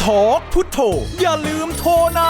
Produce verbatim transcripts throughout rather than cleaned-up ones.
ทอกพุทโธอย่าลืมโทรนะ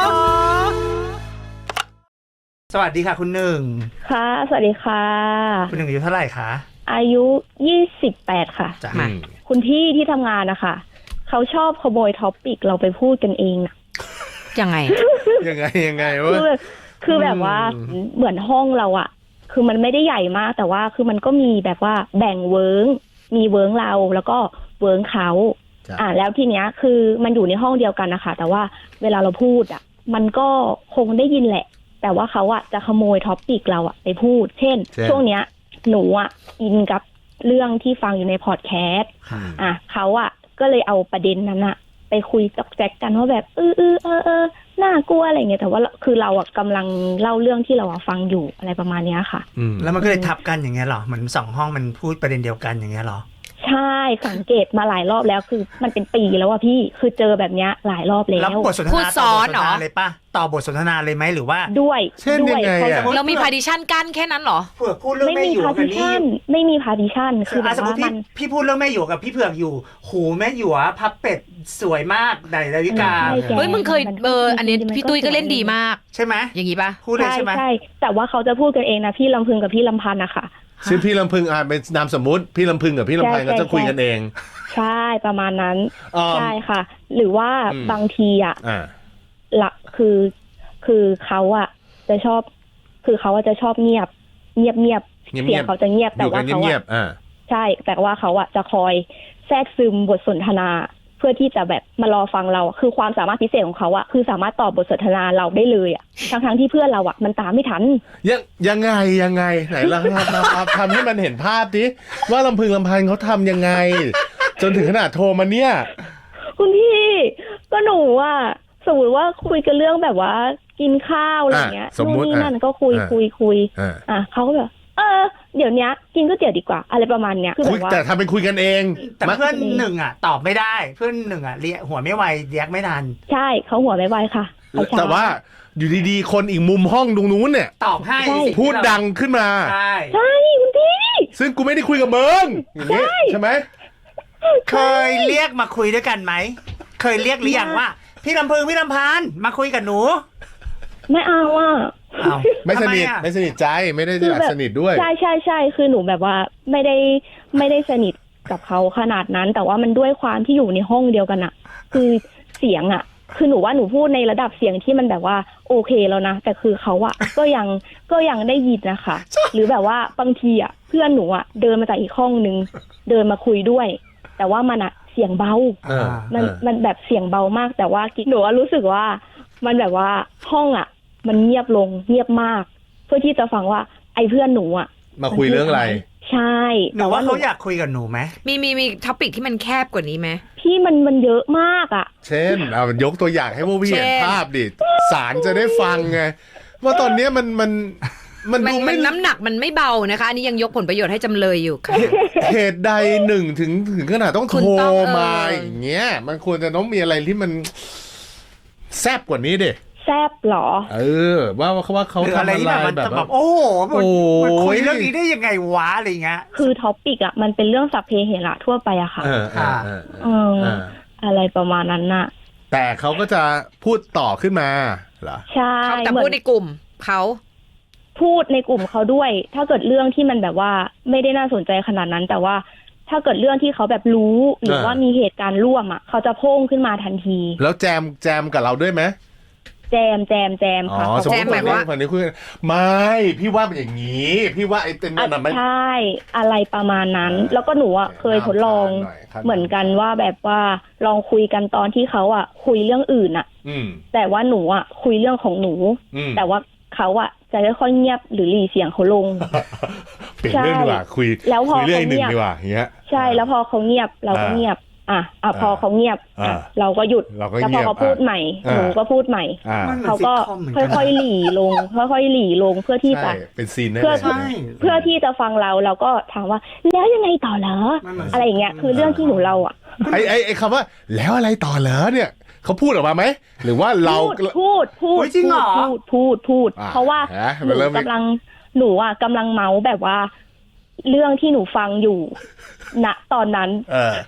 สวัสดีค่ะคุณหนึ่งค่ะสวัสดีค่ะคุณหนึ่งอายุเท่าไหร่คะอายุยี่สิบแปดค่ะจ้ะคุณพี่ที่ทำงานนะคะเขาชอบขโมยท็อปปิกเราไปพูดกันเองนะยังไงยังไงยังไงวะคือคือแบบว่าเหมือนห้องเราอะคือมันไม่ได้ใหญ่มากแต่ว่าคือมันก็มีแบบว่าแบ่งเวิร์งมีเวิร์งเราแล้วก็เวิร์งเขาอ่าแล้วทีเนี้ยคือมันอยู่ในห้องเดียวกันนะคะแต่ว่าเวลาเราพูดอะมันก็คงได้ยินแหละแต่ว่าเขาอะจะขโมยท็อปปิกเราอะไปพูดเช่นช่วงเนี้ยหนูอะอินกับเรื่องที่ฟังอยู่ในพอดแคสต์อ่ะเขาอะก็เลยเอาประเด็นนั้นอะไปคุยกับแจ็คกันว่าแบบเออเออเออเออน่ากลัวอะไรเงี้ยแต่ว่าคือเราอะกำลังเล่าเรื่องที่เราฟังอยู่อะไรประมาณนี้ค่ะแล้วมันก็เลยทับกันอย่างเงี้ยหรอเหมือนสองห้องมันพูดประเด็นเดียวกันอย่างเงี้ยหรอใช่สังเกตมาหลายรอบแล้วคือมันเป็นปีแล้วอะพี่คือเจอแบบเนี้ยหลายรอบแล้วแล้วบทสนทนาต่อบทสนทนาเลยป่ะต่อบทสนทนาเลยไหมหรือว่าด้วยเช่นยังไงอะเรามีพาร์ติชันกั้นแค่นั้นหรอเผือกพูดเรื่องแม่หยวกกับนี่ไม่มีพาร์ติชันคือแบบว่ามันพี่พูดเรื่องแม่หยวกกับพี่เผือกอยู่หูแม่หยวกพับเป็ดสวยมากไดดาวิกาเฮ้ยมึงเคยเบอร์อันนี้พี่ตุ้ยก็เล่นดีมากใช่ไหมอย่างงี้ป่ะพูดเลยใช่ไหมใช่แต่ว่าเขาจะพูดกันเองนะพี่ลำพึงกับพี่ลำพันธ์นะคะซึ่งพี่ลำพึงอ่านเป็นนามสมมุติพี่ลำพึงกับพี่ลำพันธ์ก็จะคุยกันเองใช่ประมาณนั้นใช่ค่ะหรือว่าบางทีอ่ะหลักคือคือเขาอ่ะจะชอบคือเขาจะชอบเงียบเงียบเงียบเสียงเขาจะเงียบแต่ว่าเขาอ่ะใช่แต่ว่าเขาอ่ะจะคอยแทรกซึมบทสนทนาเพื่อที่จะแบบมารอฟังเราคือความสามารถพิเศษของเขาอะคือสามารถตอบบทสนทนาเราได้เลยอะทั้งทั้งที่เพื่อนเราอะมันตามไม่ทันยังยังไงยังไงไหนเราทำให้มันเห็นภาพดิว่าลำพึงลำพันเขาทำยังไงจนถึงขนาดโทรมาเนี่ยคุณพี่ก็หนูอะสมมติว่าคุยกันเรื่องแบบว่ากินข้าวอะไรเงี้ยนู่นนี่นั่นก็คุยคุยคุยอ่ะเขาก็แบบเออเดี๋ยวนี้กินก๋วยเตี๋ยวดีกว่าอะไรประมาณเนี้ยคือแบบว่าแต่ทำเป็นคุยกันเองแต่เพื่อนหนึ่งอ่ะตอบไม่ได้เพื่อนหนึ่งอ่ะเรียกหัวไม่ไวเรียกไม่ทันใช่เขาหัวไม่ไวค่ะแต่ว่าอยู่ดีๆคนอีกมุมห้องตรงนู้นเนี่ยตอบให้พูดดังขึ้นมาใช่ใช่คุณพี่ซึ่งกูไม่ได้คุยกับมึงอย่างนี้ใช่ไหมเคยเรียกมาคุยด้วยกันไหมเคยเรียกหรือยังว่าพี่ลำพึงพี่ลำพันธ์มาคุยกับหนูไม่เอาอ่ะไม่สนิทไม่สนิทใจไม่ได้สนิทด้วยใช่ใช่ใช่คือหนูแบบว่าไม่ได้ไม่ได้สนิทกับเขาขนาดนั้นแต่ว่ามันด้วยความที่อยู่ในห้องเดียวกันอะคือเสียงอะคือหนูว่าหนูพูดในระดับเสียงที่มันแบบว่าโอเคแล้วนะแต่คือเขาอะก็ยังก็ยังได้ยินนะคะหรือแบบว่าบางทีอะเพื่อนหนูอะเดินมาจากอีกห้องนึงเดินมาคุยด้วยแต่ว่ามันอะเสียงเบามันมันแบบเสียงเบามากแต่ว่าหนูรู้สึกว่ามันแบบว่าห้องอะมันเงียบลงเงียบมากเพื่อที่จะฟังว่าไอ้เพื่อนหนูอ่ะมาคุยเรื่องอะไรใช่หนูว่าเขาอยากคุยกับหนูไหมมีมีมีท็อปิกที่มันแคบกว่านี้ไหมพี่มันมันเยอะมากอ่ะเช่นเอายกตัวอย่างให้พวกพี่เห็นภาพดิสารจะได้ฟังไงว่าตอนนี้มันมันมันดูไม่น้ำหนักมันไม่เบานะคะอันนี้ยังยกผลประโยชน์ให้จำเลยอยู่ค่ะเหตุใดหนึ่งถึงถึงขนาดต้องโทรมาอย่างเงี้ยมันควรจะต้องมีอะไรที่มันแซ่บกว่านี้ดิแซบหรอเออว่าเขาว่าเขาทำอะไรแบบแบบโอ้โหมันคุยเรื่องนี้ได้ยังไงวะอะไรเงี้ยคือท็อปิกอ่ะมันเป็นเรื่องสัพเพเหระทั่วไปอะค่ะเอออ่าเอออะไรประมาณนั้นน่ะแต่เขาก็จะพูดต่อขึ้นมาเหรอใช่แต่พูดในกลุ่มเขาพูดในกลุ่มเขาด้วยถ้าเกิดเรื่องที่มันแบบว่าไม่ได้น่าสนใจขนาดนั้นแต่ว่าถ้าเกิดเรื่องที่เขาแบบรู้หรือว่ามีเหตุการณ์ร่วมอ่ะเขาจะโพ่งขึ้นมาทันทีแล้วแจมแจมกับเราด้วยไหมแจมแจมแจมค่ะแจมแบบว่าฝั่งนี้คุยไม่พี่ว่าเป็นอย่างนี้พี่ว่าไอ้เต็มนั่นใช่อะไรประมาณนั้นแล้วก็หนูอ่ะเคยทดลองเหมือนกันว่าแบบว่าลองคุยกันตอนที่เขาอ่ะคุยเรื่องอื่นอ่ะแต่ว่าหนูอ่ะคุยเรื่องของหนูแต่ว่าเขาอ่ะจะค่อยๆเงียบหรือหลีเสียงเขาลงเปลี่ยนเรื่องดีกว่าคุยแล้วพอเรื่องหนึ่งดีกว่าอย่างเงี้ยใช่แล้วพอเขาเงียบเราก็เงียบอ่ะอ่ะพอเขาเงียบเราก็หยุดแล้วพอเขาพูดใหม่หนูก็พูดใหม่เขาก็ค่อยๆหลีลงค่อยๆหลีลงเพื่อที่จะเป็นซีนเพื่อเพื่อที่จะฟังเราเราก็ถามว่าแล้วยังไงต่อเหรออะไรอย่างเงี้ยคือเรื่องที่หนูเล่าอ่ะไอ้ไอ้ไอ้คำว่าแล้วอะไรต่อเหรอเนี่ยเขาพูดออกมาไหมหรือว่าเราพูดพูดจริงเหรอพูดพูดพูดเพราะว่าหนูกำลังหนูอ่ะกำลังเมาแบบว่าเรื่องที่หนูฟังอยู่ณตอนนั้น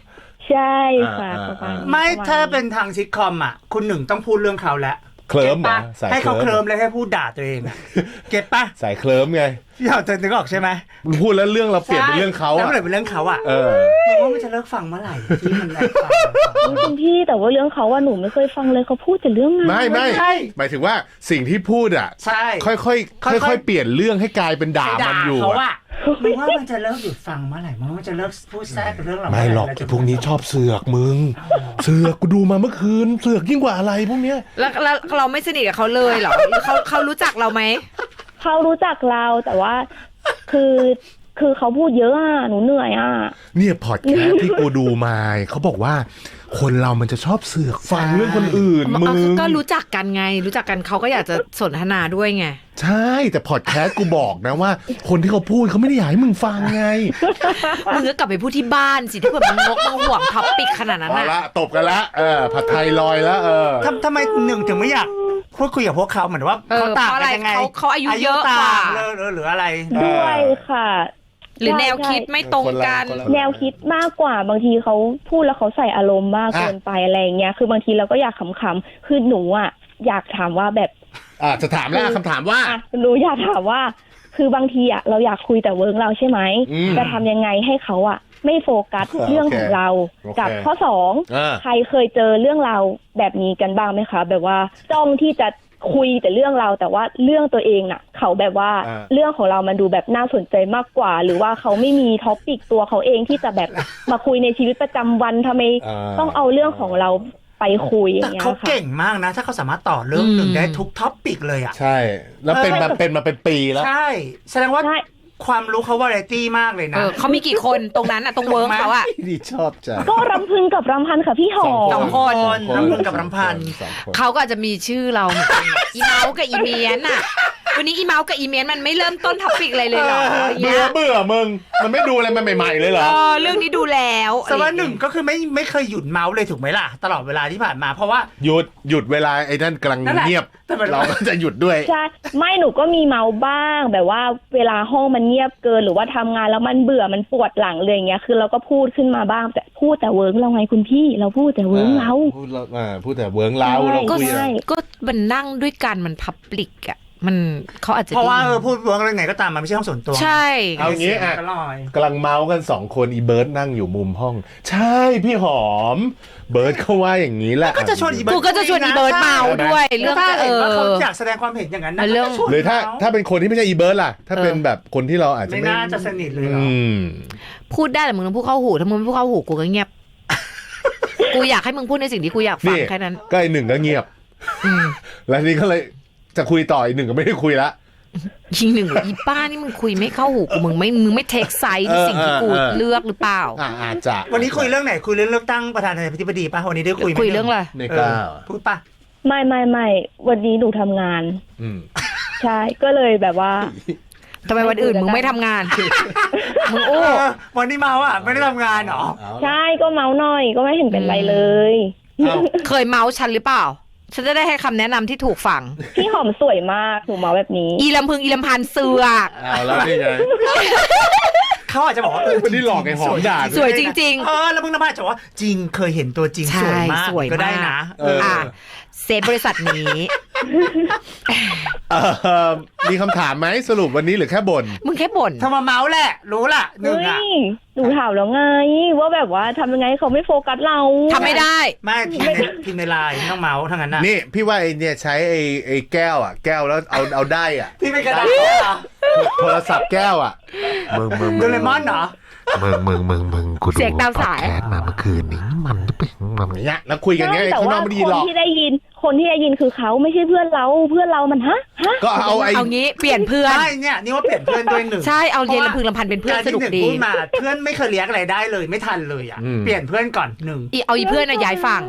ใช่ค่ะอ่าประมาณนี้ไม่ประณถ้าเป็นทางซิทคอมอ่ะ คุณหนึ่งต้องพูดเรื่องเขาแล้วเคลิ้มเหรอก็ตปะสายให้เขาเคเคลิ้ลิ้มมเลยให้พูดด่าตัวเองอะเก็ตปะสายเคลิ้มไงอยากจะนึกออกใช่ไหมมึงพูดแล้วเรื่องเราเปลี่ยนเป็นเรื่องเขาแล้วอะมันเลยเป็นเรื่องเขาอ่ะเออมึงว่ามันจะเลิกฟังเมื่อไหร่ที่มันแอบฟังอุ๊ยคุณพี่แต่ว่าเรื่องเขาว่าหนูไม่เคยฟังเลยเขาพูดแต่เรื่องงานไม่ไม่ใช่หมายถึงว่าสิ่งที่พูดอ่ะใช่ค่อยๆค่ค่อยๆอยๆ เปลี่ยนเรื่องให้กลายเป็นด่าไปมันอยู่เขาอะอ่ะมึงว่ามันจะเลิกหยุดฟังเมื่อไหร่มึงว่ามันจะเลิกพูดแทรกเรื่องเราไม่หรอกเมื่ไอ้ไหพวกนี้ชอบเสือกมึง เสือกกูดูมาเมื่อคืน เสือกยิ่งกว่าอะไรพวกเนี้ยแล้วแล้วเราไม่สนิทกับเขาเลยเหรอหรือเขาเขารู้จักเราไหมเขารู้จักเราแต่ว่าคือคือเขาพูดเยอะอ่ะหนูเหนื่อยอ่ะเนี่ยพอดแคสต์ที่กูดูมาเขาบอกว่า คนเรามันจะชอบเสือกฟังเรื่องคนอื่นมึเอางก็รู้จักกันไง รู้จักกันเขาก็อยากจะสนทนาด้วยไงใช่แต่พอดแคสต์กูบอกนะว่า คนที่เขาพูดเขาไม่ได้อยากให้มึงฟังไงมึงก็กลับไปพูดที่บ้านสิถ้าเกิดมึงงกมึงห่วงท็อปปิกขนาดนั้นเอาน่ะละตบกันละเออผัดไทยลอยแล้วเออทำทำไมหนึ่งถึงไม่อยากพูดคุยกับพวกเขาเหมือนว่าเออเขาต่างเพราะอะไรกันยังไงเขาเขาอายุเยอะกว่าต่างเลยหรือหรืออะไรด้วยค่ะหรือแนวคิดไม่ตรงกันคนละแนวคิดมากกว่าบางทีเขาพูดแล้วเขาใส่อารมณ์มากอ่ะเกินไปอะไรอย่างเงี้ยคือบางทีเราก็อยากขำๆคือหนูอ่ะอยากถามว่าแบบอ่ะจะถามแล้วคำถามว่าอ่ะหนูอยากถามว่า คือบางทีอ่ะเราอยากคุยแต่เวิร์กเราใช่ไหมอืมจะทำยังไงให้เขาอ่ะไม่โฟกัสอ่าเรื่องของเราโอเคกับข้อสองอ่าใครเคยเจอเรื่องราวแบบนี้กันบ้างไหมคะ แบบว่าจ้องที่จะคุยแต่เรื่องเราแต่ว่าเรื่องตัวเองน่ะ เขาแบบว่าอ่าเรื่องของเรามันดูแบบน่าสนใจมากกว่า หรือว่าเขาไม่มีท็อปิกตัวเขาเองที่จะแบบมาคุยในชีวิตประจำวันทำไมอ่าต้องเอาเรื่องของเราไปคุยอแต่ย่างเงี้ยเขาค่ะเก่งมากนะ ถ้าเขาสามารถต่อเรื่องหนึ่งอืมได้ทุกท็อปปิกเลยอ่ะใช่ แล้วเป็นเออมาเป็นมาเป็นปีแล้วใช่ แสดงว่าใช่ความรู้เขาวาไรตี้มากเลยเอนะอเขามีกี่คนตรงนั้นอ่ะตรงเวิร์กเขาอ่ะดีชอบใจก็รำพึงกับรำพันค่ะพี่หอสองมคนรำพึงกับรำพันสองคนเขาก็อาจจะมีชื่อเราเหมือนกันอะอีเมาส์กับอีเมียนอ่ะ วันนี้อีเมาส์กับอีเมียนมันไม่เริ่มต้นท็อปิกอะไรเลยเหรออย่างเบื่เงี้อย เบื่อมึง มันไม่ดูอะไรมันใหม่ๆเลยเหรเอออเรื่องนี้ดูแล้วแต่ว่าหนึ่งก็คือไม่ไม่เคยหยุดเมาส์เลยถูกไหมล่ะ ตลอดเวลาที่ผ่านมาเพราะว่าหยุดหยุดเวลาไอ้นั่นกำลังนั่นแหละเงียบแต่มันเราก็จะหยุดด้วยใช่ไม่หนูก็มีเมาบ้างแบบว่าเวลาห้องมันเงียบเกินหรือว่าทำงานแล้วมันเบื่อมันปวดหลังเลยอย่างเงี้ยคือเราก็พูดขึ้นมาบ้างแต่พูดแต่เวิร์กเราไงคุณพี่เราพูดแต่เวิร์กเราพูดเราอ่าพูดแต่เวิร์งเราใช่เราก็คุยใช่ก็มันนั่งด้วยกันมันพับลิกอ่ะมันเขาอาจจะเพราะว่าได้เอยิอน พูดเวิร์กอะไรไงก็ตามมันไม่ใช่ห้องส่วนตัวใช่เอางี้อ่ะก็ลอยกำลังเมาส์กันสองคนอีเบิร์ดนั่งอยู่มุมห้อง ใช่พี่หอม เบิร์ดเขาว่าอย่างนี้แหละก็จะชวนอีเบิร์กูก็จะชวนอีเบิร์ดเมาด้วยเรื่องถ้าเอเห็นว่าเขาออยากแสดงความเห็นอย่างนั้นนะเรื่องก็จะชวนหรือถ้าเขถ้าเป็นคนที่ไม่ใช่อีเบิร์ดล่ะ ถ้าเป็นแบบคนที่เราอาจจะไม่ไม่น่าจะสนิทเลยเหรออืมพูดได้แต่มึงต้องพูดเข้าหูถ้ามึงไม่พูดเข้าหูกูก็เงียบ กูอยากให้มึงพูดในสิ่งที่กูอยากฟังนี่แค่นั้นก็ไอหนึ่งก็เงียบอืมแล้วทีนี้ก็เลยจะคุยต่ออีกหนึ่งก็ไม่ได้คุยละยิงหนึ่งอีป้านี่มึงคุยไม่เข้าหูกูมึงไม่มึงไม่เทคไซส์ในสิ่งที่กูเลือกหรือเปล่าอ่าอาจจะวันนี้คุยเรื่องไหนคุยเรื่องเลือกตั้งประธานาธิบดีป่ะวันนี้ได้คุยไหมคุยเรื่องอะไรในเอก้าอพูดป่ะไม่ไม่ไม่วันนี้หนูทำงานอืมใช่ก็เลยแบบว่าทำไมวันอื่นมึงไม่ทำงาน มึงเอโอ้อวันนี้เมาอ่ะไม่ได้ทำงานเหรอเอาใช่ก็เมาหน่อยก็ไม่เห็นเป็นไรเลยเอาเคยเมาส์ฉันหรือเปล่า ฉันจะได้ให้คำแนะนำที่ถูกฝั่งพี่หอมสวยมากหนูเมาแบบนี้อีลำพึงอีลำพันเสือกเอาแล้วนี่ไงเขาอาจจะบอกว่าเออวันนี้หลอกไอ้หอมด่าสวยจริงเออแล้วมึงน้ำพายจะบอกว่าจริงเคยเห็นตัวจริงใช่สวยมากสวยมากก็ได้นะเออๆ อ่ะเซฟบริษัทนี้เออมีคำถามไหมสรุปวันนี้หรือแค่บ่นมึงแค่บ่นทำมาเมาส์แหละ รู้ล่ะหนึ่งเฮ้อ่ะยหนูถามแล้วไง ว่าแบบว่าทำยังไงให้เขาไม่โฟกัสเราทำไม่ได้ไม่พิมพ์ในพิมพ์ในไลน์ไม่ต้องเมาส์ทั้งนั้นน่ะนี่พี่ว่าไอเนี่ยใช้ไอไอแก้วอ่ะ แก้วแล้วเอาเอาได้อ่ะพี่เป็นกระดาษเหรอโทรศัพท์แก้วอ่ะมึงมึงโดเรมอนเหรอมึงมึงมึงมึงกูดูเสียงตามสายพอดแคสต์มาเมื่อคืนนี้มันจะเป็นมันเนี่ยแล้วคุยกันเงี้ยใช่แต่ข้างนว่าอกไม่คไดีหรนอกที่ได้ยิน คนที่ได้ยินคือเขาไม่ใช่เพื่อนเราเพื่อนเรามันฮะฮะก็เอาไอเอางี้เปลี่ยนเพื่อนใช่เนี่ยนี่ว่าเปลี่ยนเพื่อนด้วยหนึ่งใช่เอาเย็นลำพึงลำพันเป็นเพื่อนการสที่นุกหนึ่งดีพูดมาเพื่อนไม่เคยเลี้ยงอะไรได้เลยไม่ทันเลยอ่ะเปลี่ยนเพื่อนก่อนหนึ่งอีเอาอีเพื่อนน่ะย้ายฝั่ง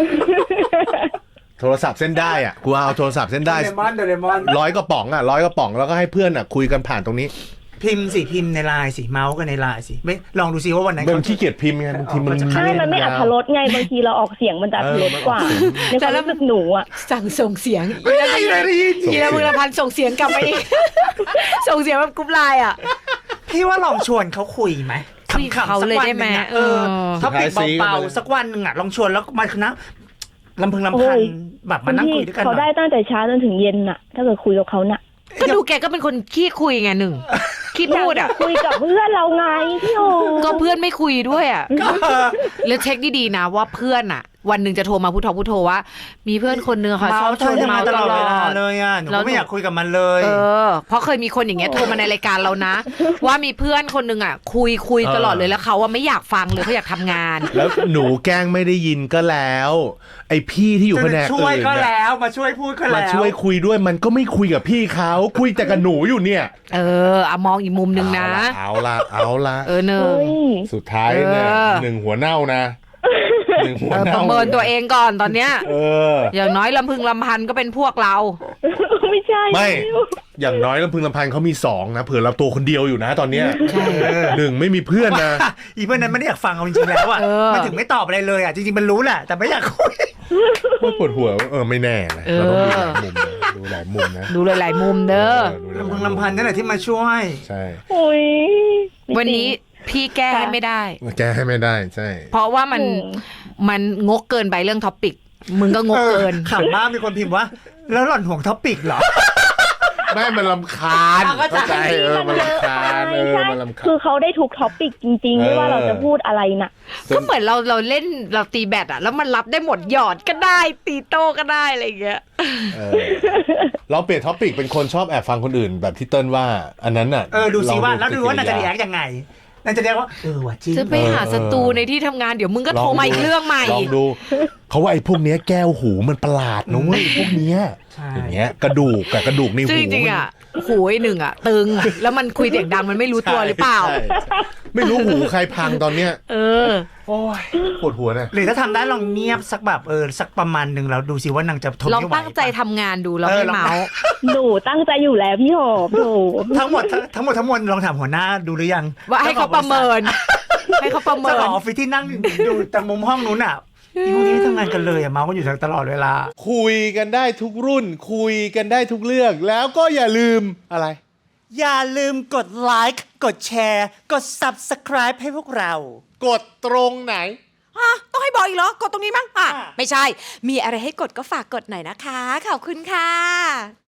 โทรศัพท์เส้นได้อ่ะกูเอาโทรศัพท์เส้นโดได้เรมอนโดเรมอนร้อยกระป๋องอ่ะร้อยกระป๋องแล้วก็ให้เพื่อนอ่ะคุยกันผ่านตรงนี้พิมพ์สิพิมพ์ในไลน์สิเมาส์กันในไลน์สิไม่ลองดูซิว่าวันไหนมันขี้เกียจพิมพ์ไงบางทีมันใช่มันไม่อัธรสไงบางทีเราออกเสียงมันจะอัธรสกว่าในความรู้สึกหนูอ่ะสั่งส่งเสียงไม่ได้เลยได้ยินอีลำพึงลำพันส่งเสียงกลับไปอีก ส่งเสียงแบบกรุ๊ปไลน์อ่ะพี่ว่าลองชวนเขาคุยไหมคคุยกับเขาเลยได้ไหมขำๆสักวันนึ่งอะเอเอออท็อปิกเบาๆสักวันหนึ่งอ่ะลองชวนแล้วมาคณะลำพึงลำพันแบบมานั่งคุยด้วยกันเขาได้ตั้งแต่เช้าจนถึงเย็นน่ะ ถ้าเกิดคุยกับเขาน่ะก็ดูแกก็เป็นคนขี้คุยไงหนึ่งขี้พูดอ่ะคุยกับเพื่อนเราไงพี่โอก็เพื่อนไม่คุยด้วยอ่ะแล้วเช็คดีๆนะว่าเพื่อนอ่ะ วันหนึ่งจะโทรมาพูดทอพูดโทรว่า มีเพื่อนคนนึงค่ะชอบชวนเมาตลอเวลาดเลยอ่ะหนูแล้วก็ไม่อยากคุยกับมันเลยเออเพราะเคยมีคนอย่างเงี้ยโทรมาในรายการเรานะ ว่ามีเพื่อนคนนึงอ่ะ คุยคุยตลอดเลยแล้วเขาว่าไม่อยากฟังเลยเขาอยากทำงานแล้วหนูแกล้งไม่ได้ยินก็แล้ว ไอพี่ที่อยู่แผนกช่วยอื่นก็เนี่ยแล้วมาช่วยพูดก็มาแล้วช่วยคุยด้วยมันก็ไม่คุยกับพี่เขาคุยแต่กับหนูอยู่เนี่ยเออเอามองอีกมุมนึงนะเอาละเอาละเออหนึ่งเฮ้ยสุดท้ายเนี่ยเออหนึ่งหัวเน่านะหนึ่งหัวเออปเน่าระเมินตัวเองก่อนตอนเนี้ยเอออย่างน้อยลำพึงลำพันก็เป็นพวกเราไม่ใช่ไม่ อย่างน้อยลำพึงลำพันเขามีสองนะเผื่อเราตัวคนเดียวอยู่นะตอนเนี้ยใช่หนึ่งไม่มีเพื่อนนะอีเพื่อนนั้นไม่ได้อยากฟังเอาจริงๆแล้วอ่ะเออมันถึงไม่ตอบอะไรเลยอ่ะจริงๆมันรู้แหละแต่ไม่อยากคุยว่าปวดหัวเออไม่แน่นะเราต้องดูหลายมุมนะดูหลายมุมนะดูหลายๆมุมเด้อดูหายลำมุพึมงลำพันนั่นแหละที่มาช่วยใช่โอ้ยวันนี้พี่แก้ให้ไม่ได้แก้ให้ไม่ได้ใช่เพราะว่ามันมันงกเกินไปเรื่องท็อปิก มึงก็งกเกินออขำมากมีคนพิมพ์ว่า แล้วหล่อนห่วงท็อปิกเหรอไม่มันลำคาญเอาเข้าใจเข้าใจเออมันลำคาญเออใช่มันลำคาคืญอเขาได้ทุกท็อปิกจริงๆ ไม่ว่าเราจะพูดอะไรน่ะก็เหมือนเราเราเล่นเราตีแบดอะแล้วมันรับได้หมดหยอดก็ได้ ตีโต้ก็ได้อะไรอย่างเงี้ยเออเราเปลี่ยนท็อปิกเป็นคนชอบแอบฟังคนอื่นแบบที่เติ้ลว่า อันนั้นน่ะเออดูสิว่าลองแล้วดูว่าน่าจะรีแอปคยังไงน่าจะเรียกว่าเออว่ะจริงจะไปหาศัตรูในที่ทำงานเดี๋ยวมึงก็โทรมาอีกเรื่องใหม่ลองดูเขาว่าไอ้พวกเนี้ยแก้วหูมันประหลาดนะเว้ยพวกเนี้ยใช่อย่างเงี้ยกระดูกกับกระดูกในหูซึ่งจริงๆอะหูไอ้หนึ่งอะตึงแล้วมันคุยเสียงดังมันไม่รู้ตัวหรือเปล่าใช่ไม่รู้หูใครพังตอนเนี้ยเออโอ้ยปวดหัวเนี่ยหรือถ้าทำได้ลองเงียบสักแบบเออสักประมาณหนึ่งแล้วดูสิว่านางจะทนลองไม่ไหวตั้งใจทำงานดูแล้วเออไม่ลองเมาส์หนูตั้งใจอยู่แล้วพี่หอมโถทั้งหมดทั้งทั้งหมดทั้งมวลลองถามหัวหน้าดูหรือยังว่าให้เขาประเมิน ให้เขาประเมิเจ้าน ของออฟฟิศที่นั่งดูแต่มุมห้องนู้นอ่ะอีพวกนี้ไม่ทำงานกันเลยอ่ะเมาส์กันอยู่ตลอดเวลาคุยกันได้ทุกรุ่น คุยกันได้ทุกเรื่องแล้วก็อย่าลืมอะไรอย่าลืมกดไลค์กดแชร์กด Subscribe ให้พวกเรากดตรงไหนฮะต้องให้บอกอีกเหรอ กดตรงนี้มั้งอ่ะอ่ะไม่ใช่ มีอะไรให้กดก็ฝากกดหน่อยนะคะ ขอบคุณค่ะ